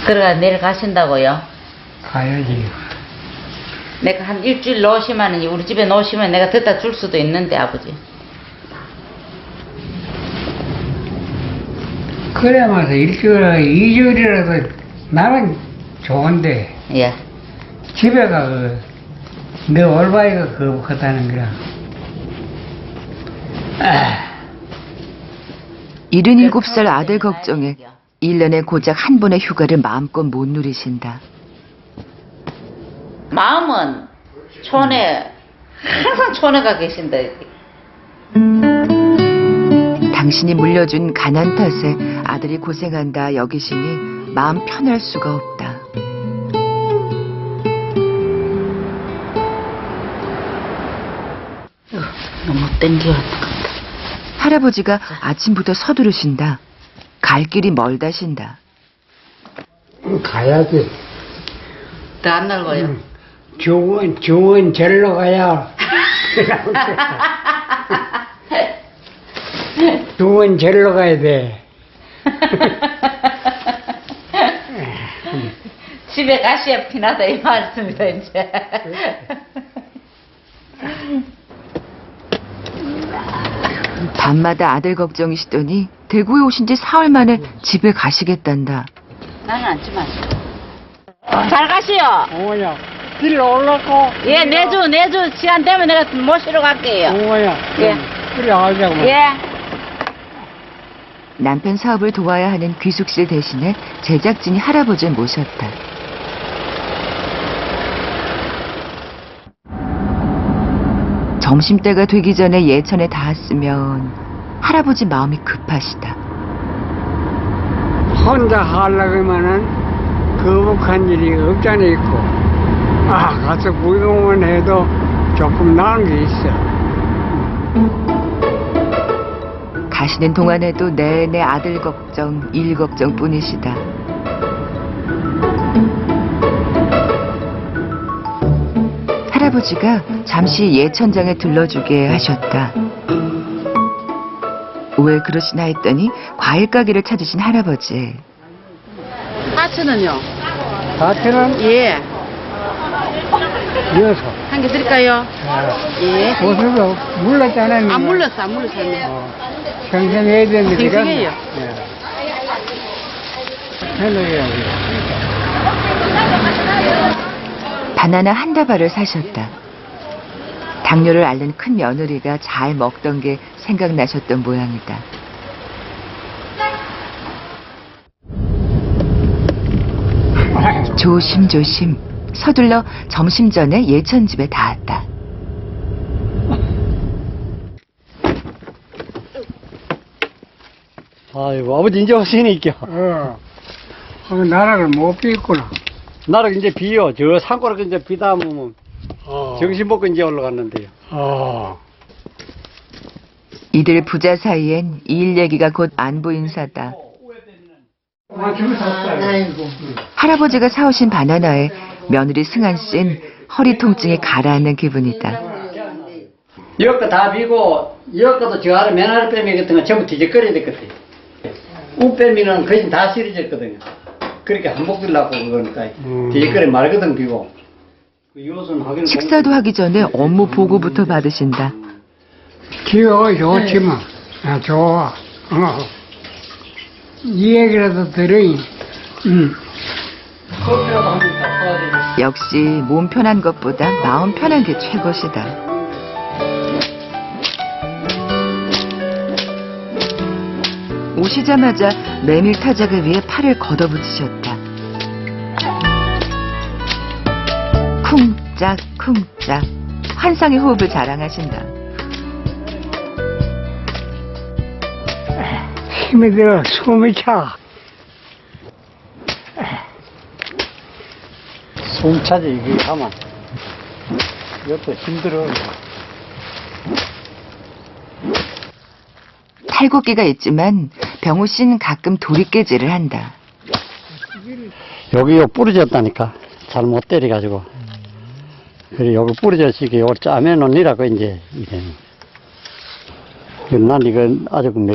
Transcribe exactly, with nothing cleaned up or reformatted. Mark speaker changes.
Speaker 1: 들어가 내일 가신다고요?
Speaker 2: 가야지.
Speaker 1: 내가 한 일주일 놓으시면 우리 집에 놓으시면 내가 듣다 줄 수도 있는데 아버지.
Speaker 2: 그래마서 일주일에 이주일이라도 나는 좋은데
Speaker 1: 예.
Speaker 2: 집에 가 그, 내 올바이가 거북하다는 거야. 아.
Speaker 3: 일흔일곱 살 아들 걱정에 일 년에 고작 한 번의 휴가를 마음껏 못 누리신다.
Speaker 1: 마음은 촌에 항상 촌에 가 계신다.
Speaker 3: 당신이 물려준 가난 탓에 아들이 고생한다 여기시니 마음 편할 수가 없다.
Speaker 1: 너무 땡겨왔다.
Speaker 3: 할아버지가 아침부터 서두르신다. 갈 길이 멀다신다.
Speaker 2: 가야지.
Speaker 1: 더 안 날고요.
Speaker 2: 응. 좋은, 좋은 절로 가야. 좋은 절로 가야 돼.
Speaker 1: 집에 가시야 피나다 이 말씀이다 이제.
Speaker 3: 밤마다 아들 걱정이시더니 대구에 오신 지 사흘 만에 집에 가시겠단다.
Speaker 1: 나는 앉지 마시오. 잘 가시오.
Speaker 2: 어머야, 길 올라고.
Speaker 1: 예, 내주 내주 시간 되면 내가 모시러 갈게요.
Speaker 2: 어머야,
Speaker 1: 예.
Speaker 2: 그래 하자고.
Speaker 1: 예.
Speaker 3: 남편 사업을 도와야 하는 귀숙실 대신에 제작진이 할아버지를 모셨다. 점심때가 되기 전에 예천에 닿았으면 할아버지 마음이 급하시다.
Speaker 2: 혼자 하려면은 거북한 일이 없잖아 있고. 아, 가서 구경만 해도 조금 나은 게 있어.
Speaker 3: 가시는 동안에도 내내 아들 걱정, 일 걱정 뿐이시다. 할아버지가 잠시 예천장에 들러주게 하셨다. 왜 그러시나 했더니 과일 가게를 찾으신 할아버지.
Speaker 1: 하츠는요?
Speaker 2: 다트는
Speaker 1: 예.
Speaker 2: 이어서.
Speaker 1: 한 개 드릴까요? 예.
Speaker 2: 옷을 물렀잖아.
Speaker 1: 안 물렀어, 안 물렀어요.
Speaker 2: 어, 평생해야 되는데.
Speaker 1: 평생해요.
Speaker 2: 해놓아야지.
Speaker 3: 바나나 한 다발을 사셨다. 당뇨를 앓는 큰 며느리가 잘 먹던 게 생각나셨던 모양이다. 조심조심 서둘러 점심 전에 예천집에 닿았다.
Speaker 4: 아이고, 아버지 이제 오시니까.
Speaker 2: 어. 어, 나락을 못 비있구나.
Speaker 4: 나를 이제 비요. 저 산골에 이제 비다 보면
Speaker 2: 어.
Speaker 4: 정신 먹고 이제 올라갔는데요.
Speaker 2: 어.
Speaker 3: 이들 부자 사이엔 일 얘기가 곧 안부 인사다.
Speaker 2: 아, 지금 샀어요. 아이고.
Speaker 3: 할아버지가 사오신 바나나에 며느리 승한 씨는 허리 통증이 가라앉는 기분이다.
Speaker 4: 여기가 다 비고, 여기도 저 아래 맨 아래 빼미 같은 건 전부 뒤적거려야 됐거든. 우빼미는 거의 다 시리졌거든요. 그렇게 한복 들라고 그러니까
Speaker 2: 음.
Speaker 4: 뒤적거려 말거든 비고. 그 요즘 하기는
Speaker 3: 식사도 하기 전에 업무 보고부터 받으신다.
Speaker 2: 귀여워, 좋지만. 아, 좋아. 어. 이 얘기라도 들으니, 응.
Speaker 4: 커피라도 한잔 사와야 돼.
Speaker 3: 역시 몸 편한 것보다 마음 편한 게 최고시다. 오시자마자 메밀 타작을 위해 팔을 걷어붙이셨다. 쿵짝 쿵짝 환상의 호흡을 자랑하신다.
Speaker 2: 힘이 들어, 숨이 차.
Speaker 4: 숨 차지, 이게 하면. 이것도 힘들어.
Speaker 3: 탈곡기가 있지만 병호 씨는 가끔 도리깨질을 한다.
Speaker 4: 여기 요 부러졌다니까. 잘 못 때려가지고. 그래, 여기 부러졌으니까 요걸 짜매놓으라고 이제, 이래. 난 이거 아주